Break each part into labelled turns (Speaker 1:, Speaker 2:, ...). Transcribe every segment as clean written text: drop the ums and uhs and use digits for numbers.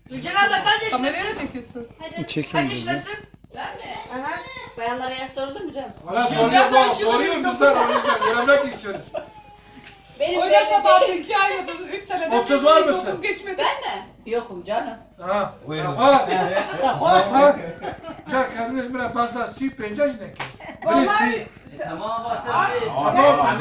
Speaker 1: Gülcan abla kaç
Speaker 2: Kameraya mı
Speaker 1: yaşındasın?
Speaker 2: çekiyorsun?
Speaker 1: Kaç
Speaker 3: Çekeyim dedi.
Speaker 1: yaşındasın? Ben mi? Aha. Bayanlara yaş sorulur mu canım?
Speaker 4: Hala
Speaker 2: Gülcan
Speaker 4: soruyor
Speaker 2: ben
Speaker 4: bu. Soruyor
Speaker 2: çıldırıyorum.
Speaker 4: bizler o yüzden. Öğrenmek istiyoruz.
Speaker 1: Benim
Speaker 2: Oynasa
Speaker 1: belli
Speaker 2: daha
Speaker 1: değil.
Speaker 2: 2 ayda 3 senede
Speaker 4: 30 var mısın?
Speaker 2: 9 geçmedi.
Speaker 1: Ben mi? Yokum canım.
Speaker 4: Ha.
Speaker 5: Buyurun.
Speaker 4: Ha. Ha. Gel kendiniz biraz fazla si penceş ne?
Speaker 2: Vallahi
Speaker 5: Tamam başladı.
Speaker 4: Tamam.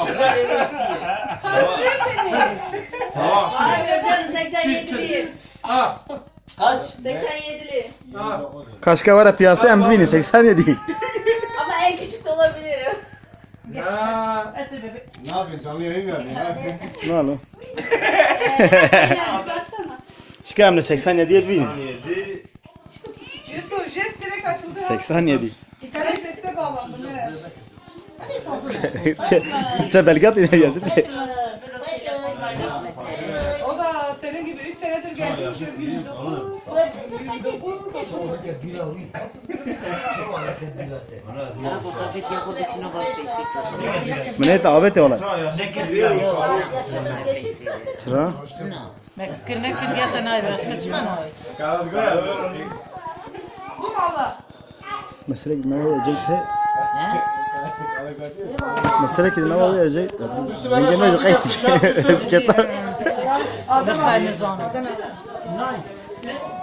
Speaker 1: Hayır canım 87'liyim.
Speaker 4: Ha.
Speaker 5: Kaç?
Speaker 1: 87'li.
Speaker 4: Ha.
Speaker 3: Kaşka var ya piyasa en büyüğünü 87 değil.
Speaker 1: Ama en küçük de olabilirim.
Speaker 4: Ya.
Speaker 6: Ne yapıyorsun? Canlı yayın mı yapıyorsun?
Speaker 3: Ne oğlum?
Speaker 1: Bir baksana.
Speaker 3: Şikayemle 87'ye büyüğün.
Speaker 2: Yusuf jest direkt açıldı.
Speaker 3: 87.
Speaker 2: İtalya jeste bağlandı. Ne?
Speaker 3: Çe Belgrad yine gelecek.
Speaker 2: O da senin gibi 3 senedir gelmiş. 29.
Speaker 3: Mene davet ola.
Speaker 1: Yaşımız geçik.
Speaker 3: Çıra.
Speaker 7: Nekir ya da nayber çıkma mı?
Speaker 1: Bu mu abla?
Speaker 3: Mesela ne olacak he? Mesela ki ne olacak? Ben gelmez kayıt. Şirketten.
Speaker 2: Adana.
Speaker 7: Adana.